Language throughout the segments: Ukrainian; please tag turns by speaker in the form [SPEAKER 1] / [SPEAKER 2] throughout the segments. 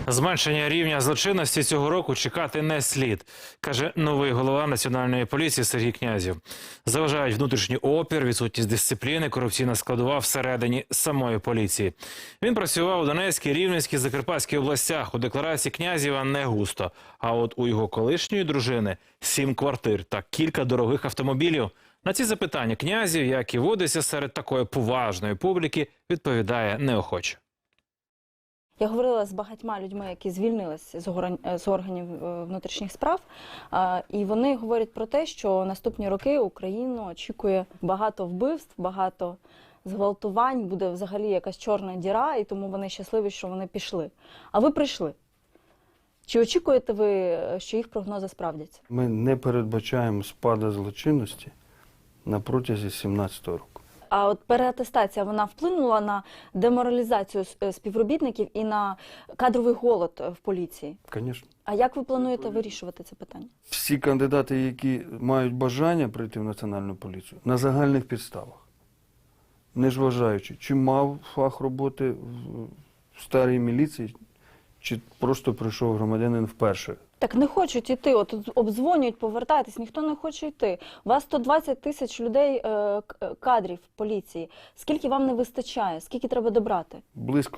[SPEAKER 1] Зменшення рівня злочинності цього року чекати не слід, каже новий голова Національної поліції Сергій Князів. Заважають внутрішній опір, відсутність дисципліни, корупційна складова всередині самої поліції. Він працював у Донецькій, Рівненській, Закарпатській областях. У декларації Князєва не густо. А от у його колишньої дружини 7 квартир та кілька дорогих автомобілів. На ці запитання Князів, як і водиться серед такої поважної публіки, відповідає неохоче.
[SPEAKER 2] Я говорила з багатьма людьми, які звільнились з органів внутрішніх справ, і вони говорять про те, що наступні роки Україну очікує багато вбивств, багато зґвалтувань, буде взагалі якась чорна діра, і тому вони щасливі, що вони пішли. А ви прийшли. Чи очікуєте ви, що їх прогнози справдяться?
[SPEAKER 3] Ми не передбачаємо спаду злочинності на протязі 2017 року.
[SPEAKER 2] А от переатестація, вона вплинула на деморалізацію співробітників і на кадровий голод в поліції?
[SPEAKER 3] Звісно.
[SPEAKER 2] А як ви плануєте вирішувати це питання?
[SPEAKER 3] Всі кандидати, які мають бажання прийти в Національну поліцію, на загальних підставах, не зважаючи, чи мав фах роботи в старій міліції, чи просто прийшов громадянин вперше.
[SPEAKER 2] Так не хочуть йти, от обдзвонюють, повертайтесь, ніхто не хоче йти. У вас 120 тисяч людей, кадрів в поліції. Скільки вам не вистачає? Скільки треба добрати?
[SPEAKER 3] Близько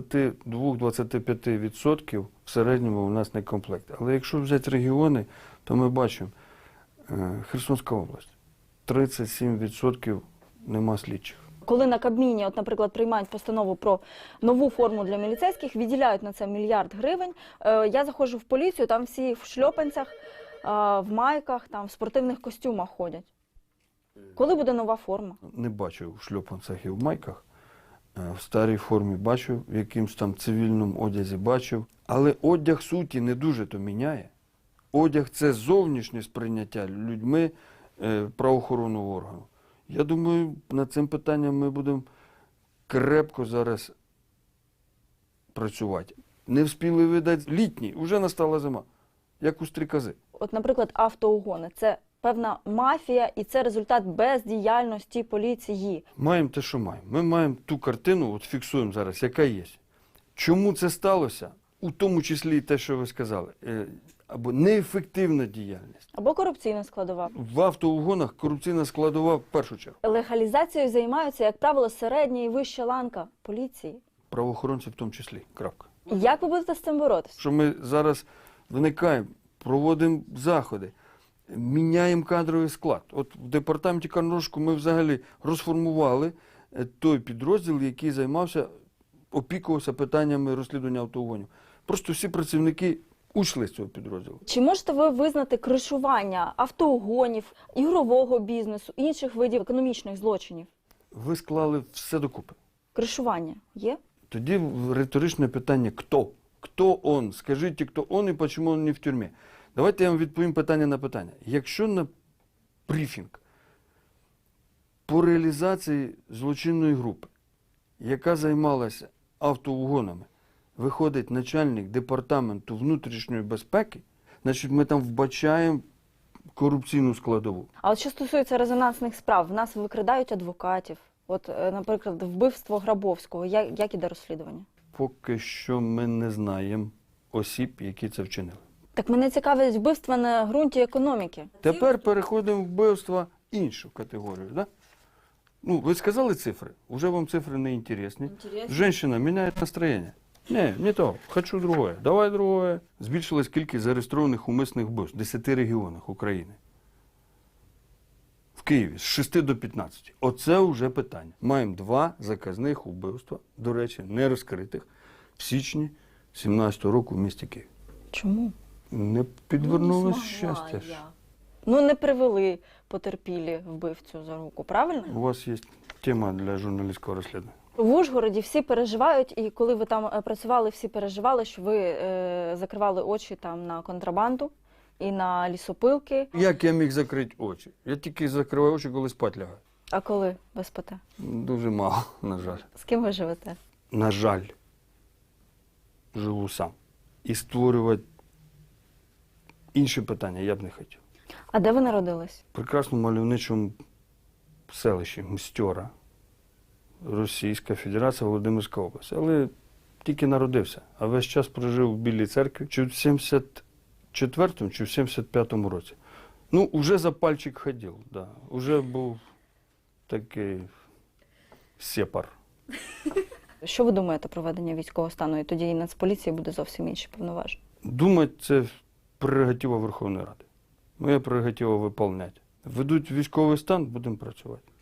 [SPEAKER 3] 22-25% в середньому у нас не комплект. Але якщо взяти регіони, то ми бачимо, Херсонська область, 37% нема слідчих.
[SPEAKER 2] Коли на Кабміні, от, наприклад, приймають постанову про нову форму для міліцейських, виділяють на це мільярд гривень. Я заходжу в поліцію, там всі в шльопанцях, в майках, там в спортивних костюмах ходять. Коли буде нова форма?
[SPEAKER 3] Не бачив в шльопанцях і в майках. В старій формі бачив, в якимсь там цивільному одязі бачив. Але одяг суті не дуже то міняє. Одяг – це зовнішнє сприйняття людьми правоохоронного органу. Я думаю, над цим питанням ми будемо крепко зараз працювати. Не встигли видати літній, вже настала зима, як у стрікози.
[SPEAKER 2] От, наприклад, автоугони – це певна мафія і це результат бездіяльності поліції.
[SPEAKER 3] Маємо те, що маємо. Ми маємо ту картину, от фіксуємо зараз, яка є. Чому це сталося? У тому числі і те, що ви сказали. Або неефективна діяльність.
[SPEAKER 2] Або корупційна складова.
[SPEAKER 3] В автоугонах корупційна складова в першу чергу.
[SPEAKER 2] Легалізацією займаються, як правило, середня і вища ланка поліції.
[SPEAKER 3] Правоохоронці в тому числі. Крапка.
[SPEAKER 2] Як ви будете з цим боротися?
[SPEAKER 3] Що ми зараз виникаємо, проводимо заходи, міняємо кадровий склад. От в департаменті Карношку ми взагалі розформували той підрозділ, який займався, опікувався питаннями розслідування автоугонів. Просто всі працівники ушли з цього підрозділу.
[SPEAKER 2] Чи можете ви визнати кришування автоугонів, ігрового бізнесу, інших видів економічних злочинів?
[SPEAKER 3] Ви склали все докупи.
[SPEAKER 2] Кришування є?
[SPEAKER 3] Тоді риторичне питання «Хто?». Хто он? Скажіть, хто он і чому він не в тюрмі? Давайте я вам відповім питання на питання. Якщо на брифінг по реалізації злочинної групи, яка займалася автоугонами, виходить начальник департаменту внутрішньої безпеки, значить ми там вбачаємо корупційну складову.
[SPEAKER 2] А от що стосується резонансних справ, в нас викрадають адвокатів. От, наприклад, вбивство Грабовського. Як іде розслідування?
[SPEAKER 3] Поки що ми не знаємо осіб, які це вчинили.
[SPEAKER 2] Так мене цікавить вбивства на ґрунті економіки.
[SPEAKER 3] Тепер переходимо в вбивства іншу категорію. Да? Ну, ви сказали цифри, уже вам цифри не інтересні. Женщина міняє настроєння. Не то, хочу другое, давай другое. Збільшилась кількість зареєстрованих умисних вбивств в 10 регіонах України. В Києві з 6 до 15. Оце вже питання. Маємо 2 заказних вбивства, до речі, не розкритих, в січні 2017 року в місті Києві.
[SPEAKER 2] Чому?
[SPEAKER 3] Не підвернулось щастя.
[SPEAKER 2] Ну, не привели потерпілі вбивцю за руку, правильно?
[SPEAKER 3] У вас є тема для журналістського розслідування.
[SPEAKER 2] В Ужгороді всі переживають, і коли ви там працювали, всі переживали, що ви закривали очі там на контрабанду і на лісопилки.
[SPEAKER 3] Як я міг закрити очі? Я тільки закриваю очі, коли спать лягаю.
[SPEAKER 2] А коли ви спите?
[SPEAKER 3] Дуже мало, на жаль.
[SPEAKER 2] З ким ви живете?
[SPEAKER 3] На жаль, живу сам. І створювати інші питання я б не хотів.
[SPEAKER 2] А де ви народились?
[SPEAKER 3] В прекрасному мальовничому селищі Мстьора, Російська Федерація, Володимирська область. Але тільки народився, а весь час прожив в Білій церкві, чи в 74-му, чи в 75-му році. Ну, уже за пальчик ходив, да. Уже був такий сепар.
[SPEAKER 2] Що ви думаєте про введення військового стану? І тоді і Нацполіції буде зовсім інші повноваження.
[SPEAKER 3] Думати – це прерогатива Верховної Ради. Моя прерогатива – виконувати. Ведуть військовий стан, будемо працювати.